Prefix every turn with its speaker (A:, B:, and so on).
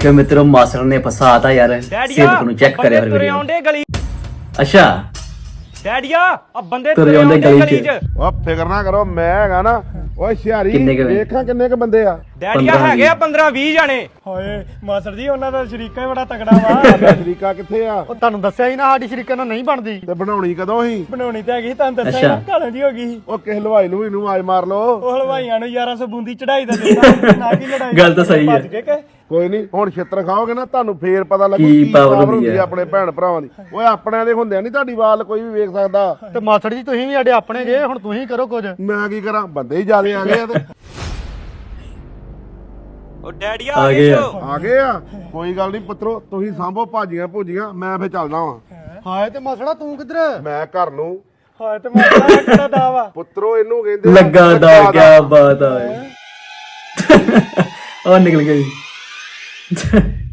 A: ਵੇਖਿਓ ਮਿੱਤਰੋ ਮਾਸਟਰ ਨੇ ਫਸਾਤਾ ਯਾਰ ਸੇਵਕ ਨੂੰ ਚੈੱਕ ਕਰਿਆ ਫਿਰ ਵੀਡੀਓ ਅੱਛਾ
B: ਡੈਡੀਆ ਆ ਬੰਦੇ
A: ਤੁਰੇ ਆਉਂਦੇ ਗਲੀ ਚ
C: ਉਹ ਫਿਕਰ ਨਾ ਕਰੋ ਮੈਂ ਹੈਗਾ ਨਾ ਓਏ ਸ਼ਿਆਰੀ ਵੇਖਾਂ ਕਿੰਨੇ ਕ ਬੰਦੇ ਆ
B: ਡੈਡੀਆ ਹੈਗੇ ਆ 15-20 ਜਾਣੇ
D: ਹਾਏ ਮਾਸਟਰ ਜੀ ਉਹਨਾਂ ਦਾ ਸ਼ਰੀਕਾ ਹੀ ਬੜਾ ਤਕੜਾ ਵਾ
C: ਸ਼ਰੀਕਾ ਕਿੱਥੇ ਆ
D: ਉਹ ਤੁਹਾਨੂੰ ਦੱਸਿਆ ਹੀ ਨਾ ਸਾਡੀ ਸ਼ਰੀਕਾ ਨਾਲ ਨਹੀਂ ਬਣਦੀ
C: ਤੇ ਬਣਾਉਣੀ ਕਦੋਂ ਸੀ
D: ਬਣਾਉਣੀ ਤੇ ਹੈਗੀ ਤੁਹਾਨੂੰ ਦੱਸਿਆ ਨਾ ਕਾਲਾਂ ਦੀ ਹੋ ਗਈ ਸੀ
C: ਉਹ ਕਿਸ ਹਲਵਾਈ ਨੂੰ ਇਹਨੂੰ ਆਵਾਜ਼ ਮਾਰ ਲੋ
D: ਉਹ ਹਲਵਾਈਆਂ ਨੂੰ 1100 ਬੂੰਦੀ ਚੜਾਈ ਦਾ ਦੇਣਾ ਨਾ ਕੀ ਲੜਾਈ
A: ਗੱਲ ਤਾਂ ਸਹੀ ਹੈ।
D: ਭੱਜ ਗਏ ਕਿ
C: ਕੋਈ ਨਹੀਂ ਹੁਣ ਛਿੱਤਰ ਖਾਓਗੇ ਨਾ ਤੁਹਾਨੂੰ ਫੇਰ ਪਤਾ ਲੱਗੂ
A: ਕੀ
C: ਕੀ
A: power
C: power
A: ਹੁੰਦੀ
C: ਹੁੰਦੀ
A: ਆ।
C: ਆਪਣੇ ਭੈਣ ਭਰਾਵਾਂ ਦੀ ਓਏ ਆਪਣਿਆਂ ਦੇ ਹੁੰਦਿਆਂ ਨਹੀਂ ਤੁਹਾਡੀ ਵਾਲ ਕੋਈ ਵੀ ਵੇਖ ਸਕਦਾ
D: ਤੇ ਮਾਸਟਰ ਜੀ ਤੁਸੀਂ ਵੀ ਸਾਡੇ ਆਪਣੇ ਜੇ ਹੁਣ ਤੁਸੀਂ ਕਰੋ ਕੁਝ
C: ਮੈਂ ਕੀ ਕਰਾਂ ਬੰਦੇ ਹੀ ਜ਼ਿਆਦੇ ਆ ਗਏ ਆ ਤੇ
B: ਉਹ ਡੈਡੀਆ
A: ਆ ਗਏ ਆ।
C: ਆ ਗਏ ਆ ਕੋਈ ਗੱਲ ਨਹੀਂ ਪੁੱਤਰੋ ਤੁਸੀਂ ਸਾਂਭੋ ਭਾਜੀਆਂ ਭੂਜੀਆਂ ਮੈਂ ਫੇਰ ਚੱਲਦਾ ਵਾਂ
D: ਹਾਏ ਤੇ ਮਾਸੜਾ ਤੂੰ ਕਿੱਧਰ
C: ਮੈਂ ਘਰ ਨੂੰ
D: ਹਾਏ ਤੇ ਮਾਸੜਾ ਕਿਹੜਾ ਦਾ ਵਾ
C: ਪੁੱਤਰੋ ਇਹਨੂੰ ਕਹਿੰਦੇ
A: ਲੱਗਾ ਦਾ ਕੀ ਬਾਤ ਆ ਉਹ ਨਿਕਲ ਗਈ